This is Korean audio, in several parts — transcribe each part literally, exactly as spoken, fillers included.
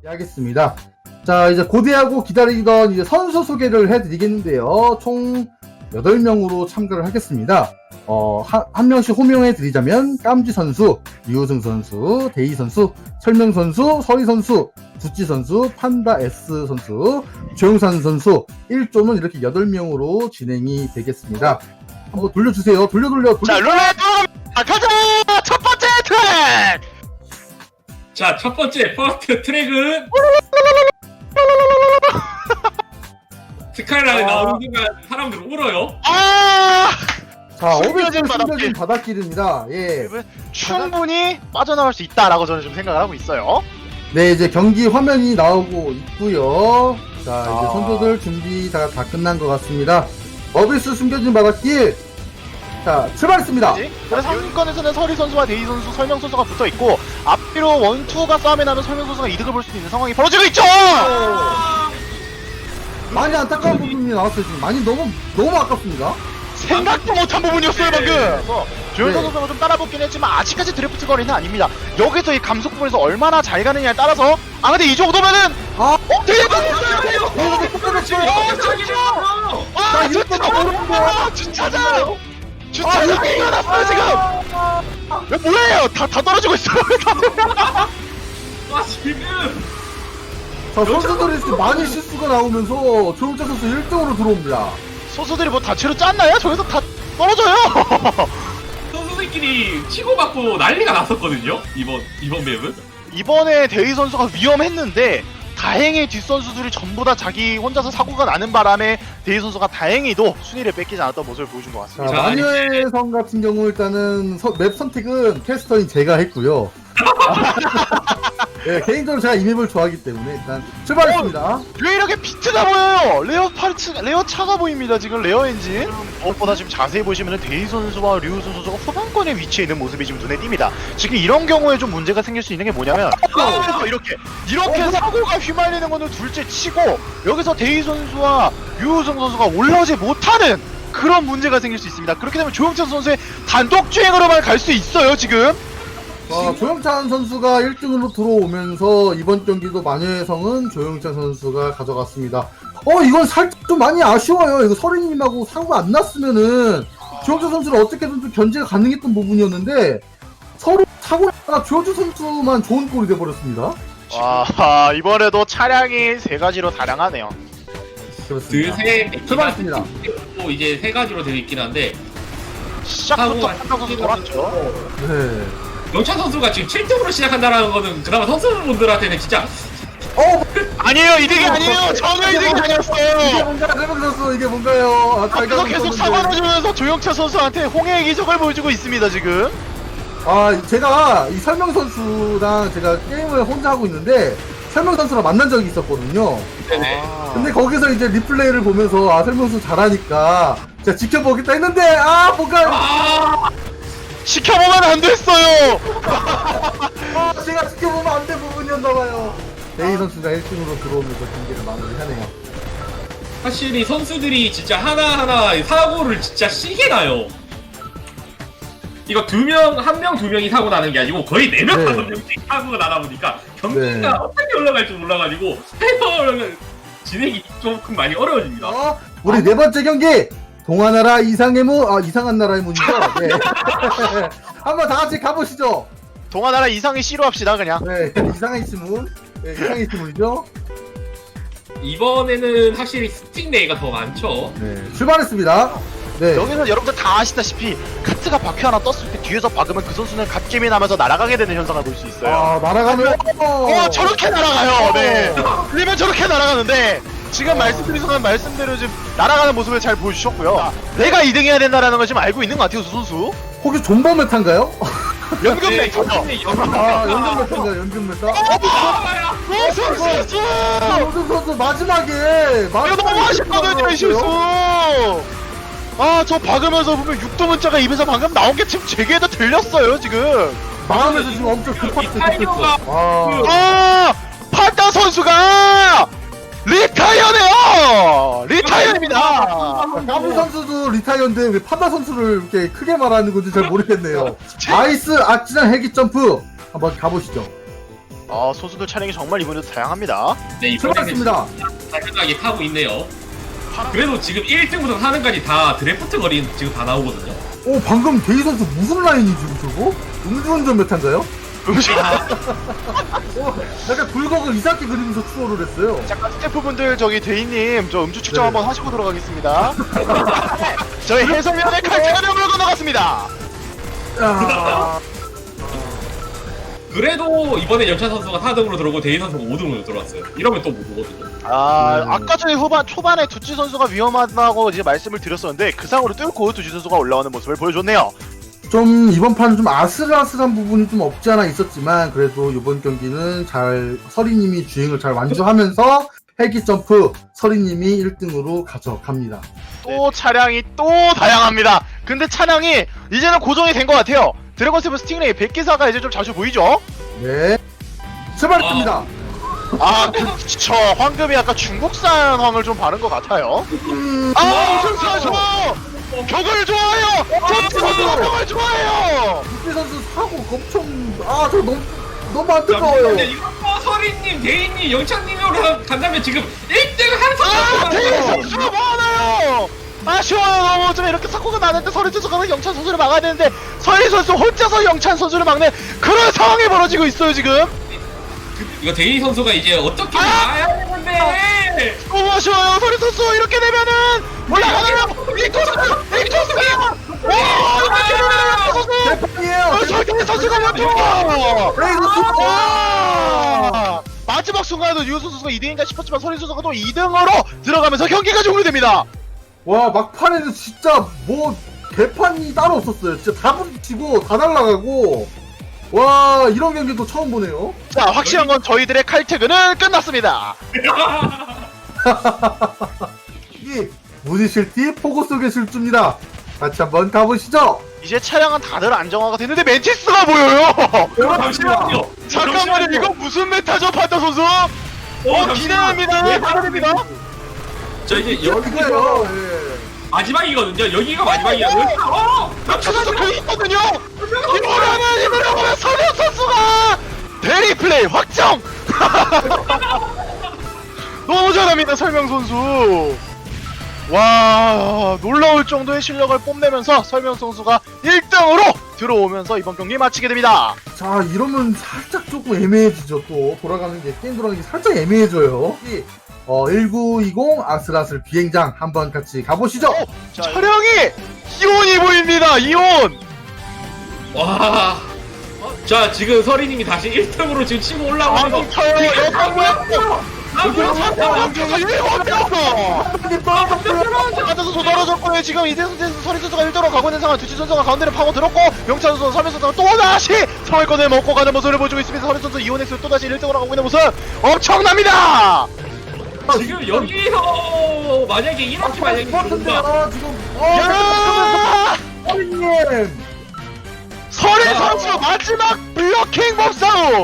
하겠습니다. 자, 이제 고대하고 기다리던 이제 선수 소개를 해드리겠는데요. 총 여덟 명으로 참가를 하겠습니다. 어, 한, 한 명씩 호명해 드리자면, 깜지 선수, 류우승 선수, 데이 선수, 설명 선수, 서리 선수, 구찌 선수, 판다 S 선수, 조영산 선수, 일 조는 이렇게 여덟 명으로 진행이 되겠습니다. 한번 돌려주세요. 돌려, 돌려, 돌려. 자, 룰렛 가자! 첫 번째 트랙! 자, 첫 번째 퍼스트 트랙은 스카이라인에 아. 나오는 순간 사람들 울어요. 아! 자, 숨겨진 오백점 바닷길. 숨겨진 바닷길입니다. 예. 충분히 빠져나갈 수 있다라고 저는 좀 생각을 하고 있어요. 네, 이제 경기 화면이 나오고 있고요. 자, 이제 아. 선수들 준비 다, 다 끝난 것 같습니다. 어비스 숨겨진 바닷길. 자, 출발했습니다. 그래서 상위권에서는 서리 선수와 데이 선수, 설명 선수가 붙어 있고 앞뒤로 원투가 싸움에 나면 설명 선수가 이득을 볼 수 있는 상황이 벌어지고 있죠. 많이 안타까운 부분이 나왔어요. 지금 많이 너무 너무 아깝습니다. 생각도 못한 부분이었어요 방금. 그래서 조현선 네. 선수가 좀 따라붙긴 했지만 아직까지 드래프트 거리는 아닙니다. 여기서 이 감속 부분에서 얼마나 잘 가느냐에 따라서 아 근데 이 정도면은 아, 어 대박! 어, 끝났어요. 아 자, 이럴 때가 어려운 거야. 아 주차장! 주차장이 일어났어요 지금! 야 뭐예요? 다, 다 떨어지고 있어요. 아, 지금 자, 선수들이 지금 많이 실수가 나오면서 조용자 선수 일 등으로 들어옵니다. 소수들이 뭐 다채로 짰나요? 저기서 다 떨어져요. 선수들끼리 치고받고 난리가 났었거든요. 이번 이번 맵은. 이번에 데이 선수가 위험했는데 다행히 뒷선수들이 전부 다 자기 혼자서 사고가 나는 바람에 데이 선수가 다행히도 순위를 뺏기지 않았던 모습을 보여준 것 자, 같습니다. 자, 마녀의 성 같은 경우 일단은 서, 맵 선택은 캐스터인 제가 했고요. 네, 개인적으로 제가 이 맵을 좋아하기 때문에 일단 출발했습니다. 왜 이렇게 비트가 보여요? 레어 파츠, 레어 차가 보입니다. 지금 레어 엔진. 무엇보다 지금 자세히 보시면 데이 선수와 류우순 선수가 후반권에 위치해 있는 모습이 지금 눈에 띕니다. 지금 이런 경우에 좀 문제가 생길 수 있는 게 뭐냐면 여기서 이렇게 이렇게 사고가 휘말리는 거는 둘째 치고 여기서 데이 선수와 류우순 선수가 올라오지 못하는 그런 문제가 생길 수 있습니다. 그렇게 되면 조영찬 선수의 단독 주행으로만 갈 수 있어요. 지금. 어, 조영찬 선수가 일 등으로 들어오면서 이번 경기도 마녀의 성은 조영찬 선수가 가져갔습니다. 어, 이건 살짝 좀 많이 아쉬워요. 이거 서린님하고 사고가 안 났으면은 조영찬 선수를 어떻게든 좀 견제가 가능했던 부분이었는데 서로 사고 나다가 조영찬 선수만 좋은 꼴이 돼버렸습니다. 와 이번에도 차량이 세 가지로 다량하네요. 그렇습니다. 드세 출발했습니다. 또 이제 세 가지로 되어 있긴 한데 시작부터 사고가 판단 선수 돌았죠. 네. 영찬 선수가 지금 칠 등으로 시작한다라는 거는 그나마 선수분들한테는 진짜 어, 아니에요 이득이 아니에요. 전혀 이득이 이게 아니었어요. 뭔가요? 세븐 선수 이게 뭔가요? 아, 잘 앞에서 계속 가고 사고 있었는데. 나주면서 조영찬 선수한테 홍해의 기적을 보여주고 있습니다 지금. 아, 제가 이 설명 선수랑 제가 게임을 혼자 하고 있는데 설명 선수랑 만난 적이 있었거든요. 네네. 근데 거기서 이제 리플레이를 보면서 아, 설명 선수 잘하니까 제가 지켜보겠다 했는데 아, 뭔가 아, 지켜보면 안 됐어요. 아, 제가 지켜보면 안 될 부분이었나봐요. 데이 선수가 일 등으로 들어오면서 경기를 마무리하네요. 확실히 선수들이 진짜 하나하나 사고를 진짜 시게 나요. 이거 두 명, 한 명, 두 명이 사고 나는 게 아니고 거의 네 명, 네. 다섯 명씩 사고가 나다 보니까 경기가 네. 어떻게 올라갈지 몰라가지고 해설 진행이 조금 많이 어려워집니다. 어, 우리 네 번째 경기 동화나라 이상의 문, 아 이상한 나라의 문이죠. 네. 한번 다 같이 가보시죠. 동아나라 이상의 씨로 합시다 그냥. 네, 이상의 시문, 네, 이상의 시문이죠. 이번에는 확실히 스틱레이가 더 많죠. 네, 출발했습니다. 네. 여기서 여러분들 다 아시다시피 카트가 바퀴 하나 떴을 때 뒤에서 박으면 그 선수는 갓게임이 나면서 날아가게 되는 현상을 볼 수 있어요. 아, 날아가면 어 저렇게 날아가요. 네. 어. 그러면 저렇게 날아가는데 지금 말씀드린 순간 말씀대로 지금 날아가는 모습을 잘 보여주셨고요. 내가 이 등 해야 된다라는 걸 지금 알고 있는 것 같아요 수 선수. 혹시 존버 메타인가요? 연금 네, 메이커죠. 아, 연금 메타인가요? 연금 메타? 어, 수 선수. 연금 선수 마지막에 이거 너무 아쉽거든요 이 실수. 아 저 박으면서 보면 육도문자가 입에서 방금 나온 게 지금 제게도 들렸어요 지금. 마음에서 지금 엄청 급했어, 타이거가 급했어. 아, 아 판다 선수가 리타이어네요. 리타이어입니다. 까부 선수도 리타이어인데 왜 판다 선수를 이렇게 크게 말하는 건지 잘 모르겠네요. 아이스 아치랑 헬기 점프 한번 가보시죠. 아 선수들 차량이 정말 이번에도 다양합니다. 네, 이번에는 출발했습니다. 다양하게 타고 있네요. 그래도 지금 일 등부터 사 등까지 다 드래프트 거리 지금 다 나오거든요. 오, 방금 데이 선수 무슨 라인이지, 저거? 음주운전 메타인가요? 음식 어, 약간 굴곡을 이상하게 그리면서 추월을 했어요. 잠깐 스태프분들 저기 대인님 저 음주 측정 네. 한번 하시고 들어가겠습니다. 저희 해설위원회 칼퇴가 물고 나갔습니다. 야, 그래도 이번에 영찬 선수가 사 등으로 들어오고 데이 선수가 오 등으로 들어왔어요. 이러면 또 못 보거든요. 아 음. 아까 전에 후반 초반에 두치 선수가 위험하다고 이제 말씀을 드렸었는데 그 상으로 뚫고 두치 선수가 올라오는 모습을 보여줬네요. 좀 이번 판은 좀 아슬아슬한 부분이 좀 없지 않아 있었지만 그래도 이번 경기는 잘 서리님이 주행을 잘 완주하면서 헬기 점프 서리님이 일 등으로 가져갑니다. 또 차량이 또 다양합니다. 근데 차량이 이제는 고정이 된 것 같아요. 드래곤 세븐 스팅레이 백기사가 이제 좀 자주 보이죠? 네, 출발했습니다. 아 그쵸. 황금이 약간 중국산 황을 좀 바른 것 같아요. 음, 아 우승 선수! 격을 좋아해요! 두치 선수가 격을 좋아해요! 육지 선수 사고 엄청 아저 너무 너무 안 근데 뜨거워요. 이거 뭐 서리님, 데이님, 영찬님으로 간다면 지금 일 등을 한 아 대일 선수가 선수가 뭐하나요? 아쉬워요. 너무 좀 이렇게 사고가 나는데 서리 선수가 영찬 선수를 막아야 되는데 서리 선수 혼자서 영찬 선수를 막는 그런 상황이 벌어지고 있어요 지금. 이거 데이 선수가 이제 어떻게 아! 나야 되는데 너무 아쉬워요. 서리 선수 이렇게 되면은 올라가나요? 빅토스가 빅토스가 와 이렇게 되면은 선수 대판이에요. 설경 선수가 먼저 레이 선수. 와 마지막 순간에도 유 선수가 이 등인가 싶었지만 서리 선수가 또 이 등으로 들어가면서 경기가 종료됩니다. 와, 막판에는 진짜 뭐 개판이 따로 없었어요. 진짜 다 부딪히고 다 날아가고 와, 이런 경기도 처음 보네요. 자 확실한 건 저희들의 칼퇴근은 끝났습니다. 이 무지실티 포고 속의 실주입니다. 같이 한번 가보시죠. 이제 차량은 다들 안정화가 됐는데 멘티스가 보여요. 잠시만요. 잠깐만요. 이거 무슨 메타죠 판다 선수? 어 기대합니다. 기대됩니다. 저 이제 여기가 여기가요. 예. 마지막이거든요. 여기가 마지막이야. 여기 어! 박수 선수 그 있거든요. 이번에는 이번에 서명 선수가 대리 플레이 확정. 너무 잘합니다 설명 선수. 와 놀라울 정도의 실력을 뽐내면서 설명 선수가 일 등으로 들어오면서 이번 경기 마치게 됩니다. 자, 이러면 살짝 조금 애매해지죠. 또 돌아가는 게 게임 돌아가는 게 살짝 애매해져요. 이, 어, 천구백이십 아슬아슬 비행장 한번 같이 가보시죠. 어, 차량이 이온이 보입니다. 이온. 와. 자, 지금 서리님이 다시 일 등으로 지금 치고 올라오면서 아니 저요 여성분. 앉아서 조달아줬고요. 지금 이재선 선수 서리 선수가 일 등으로 가고 있는 상황. 두치 선수가 가운데를 파고 들었고 영찬 선수, 서민 선수가 또다시 상위권을 먹고 가는 모습을 보여주고 있습니다. 서리 선수 이온엑스 또다시 일 등으로 가고 있는 모습 엄청납니다. 지금 여기서 만약에 이렇게 만약에 들어온다. 같은데요, 지금. 어, 야! 서리님. 서리 야. 선수 마지막 블러킹 몸싸움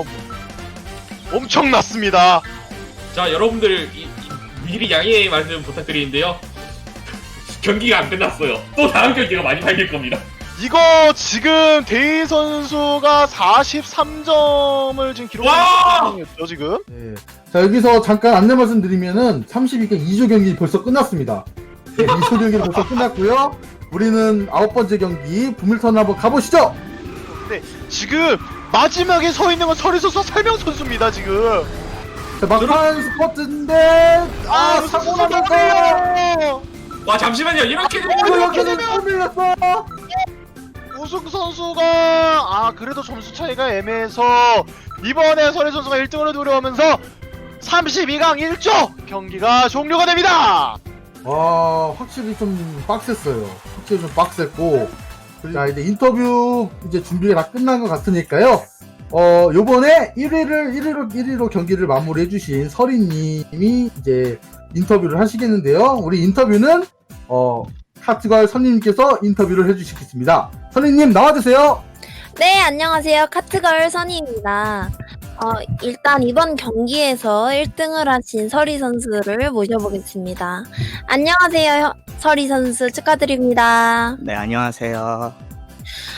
엄청났습니다. 자, 여러분들 이, 이, 미리 양해의 말씀 부탁드리는데요. 경기가 안 끝났어요. 또 다음 경기가 많이 발릴 겁니다. 이거 지금 데이 선수가 사십삼 점을 지금 기록하고 와! 있는 상황이었죠 지금. 네. 자, 여기서 잠깐 안내 말씀드리면은 삼십이 강 이 조 경기 벌써 끝났습니다. 네, 이 조 경기는 벌써 끝났고요. 우리는 아홉 번째 경기 부밀턴 한번 가보시죠. 네, 지금 마지막에 서 있는 건 서리 선수 설명 선수입니다 지금. 자, 막판 스퍼트인데 아, 사고 나면서 와, 잠시만요. 이렇게 되면 어, 여기는 또 밀렸어. 우승 선수가 아 그래도 점수 차이가 애매해서 이번에 서리 선수가 일 등으로 들어오면서 삼십이 강 일 조 경기가 종료가 됩니다. 와, 확실히 좀 빡셌어요. 확실히 좀 빡셌고. 자, 이제 인터뷰 이제 준비가 다 끝난 것 같으니까요. 어, 요번에 일 위를, 일 위로, 일 위로 경기를 마무리해주신 서리님이 이제 인터뷰를 하시겠는데요. 우리 인터뷰는, 어, 카트걸 선님께서 인터뷰를 해주시겠습니다. 선님 나와주세요. 네, 안녕하세요. 카트걸 선희입니다. 어, 일단 이번 경기에서 일 등을 하신 서리 선수를 모셔보겠습니다. 안녕하세요, 혀- 서리 선수 축하드립니다. 네, 안녕하세요.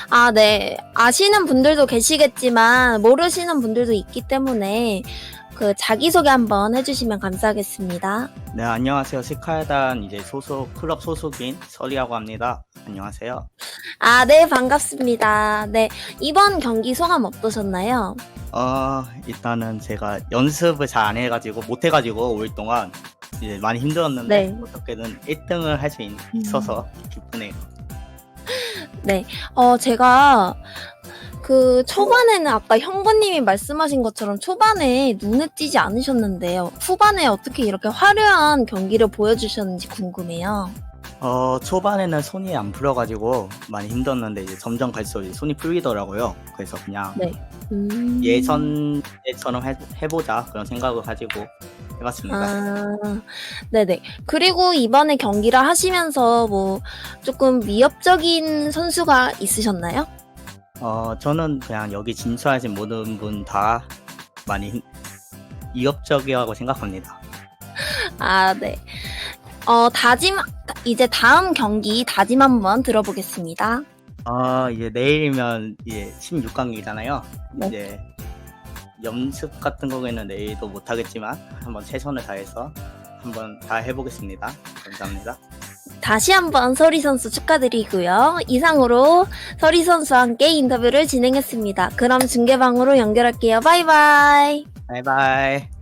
아, 네. 아시는 분들도 계시겠지만 모르시는 분들도 있기 때문에 그 자기소개 한번 해주시면 감사하겠습니다. 네, 안녕하세요. 스카이단 이제 소속 클럽 소속인 설이라고 합니다. 안녕하세요. 아, 네, 반갑습니다. 네, 이번 경기 소감 어떠셨나요? 어, 일단은 제가 연습을 잘 안 해가지고 못 해가지고 오 일 동안 이제 많이 힘들었는데 네. 어떻게든 일 등을 할 수 있어서 기쁘네요. 네, 어, 제가 그 초반에는 아까 형부님이 말씀하신 것처럼 초반에 눈에 띄지 않으셨는데요. 후반에 어떻게 이렇게 화려한 경기를 보여주셨는지 궁금해요. 어, 초반에는 손이 안 풀어가지고 많이 힘들었는데 이제 점점 갈수록 이제 손이 풀리더라고요. 그래서 그냥 네. 음... 예선 때처럼 해, 해보자 그런 생각을 가지고 해봤습니다. 아, 네네. 그리고 이번에 경기를 하시면서 뭐 조금 위협적인 선수가 있으셨나요? 어, 저는 그냥 여기 진출하신 모든 분 다 많이 힘- 위협적이라고 생각합니다. 아, 네. 어, 다짐, 이제 다음 경기 다짐 한번 들어보겠습니다. 아, 이제 내일이면 이제 십육 강이잖아요. 네. 이제 연습 같은 거에는 내일도 못 하겠지만 한번 최선을 다해서 한번 다 해보겠습니다. 감사합니다. 다시 한번 서리 선수 축하드리고요. 이상으로 서리 선수와 함께 인터뷰를 진행했습니다. 그럼 중계방으로 연결할게요. 바이바이. 바이바이.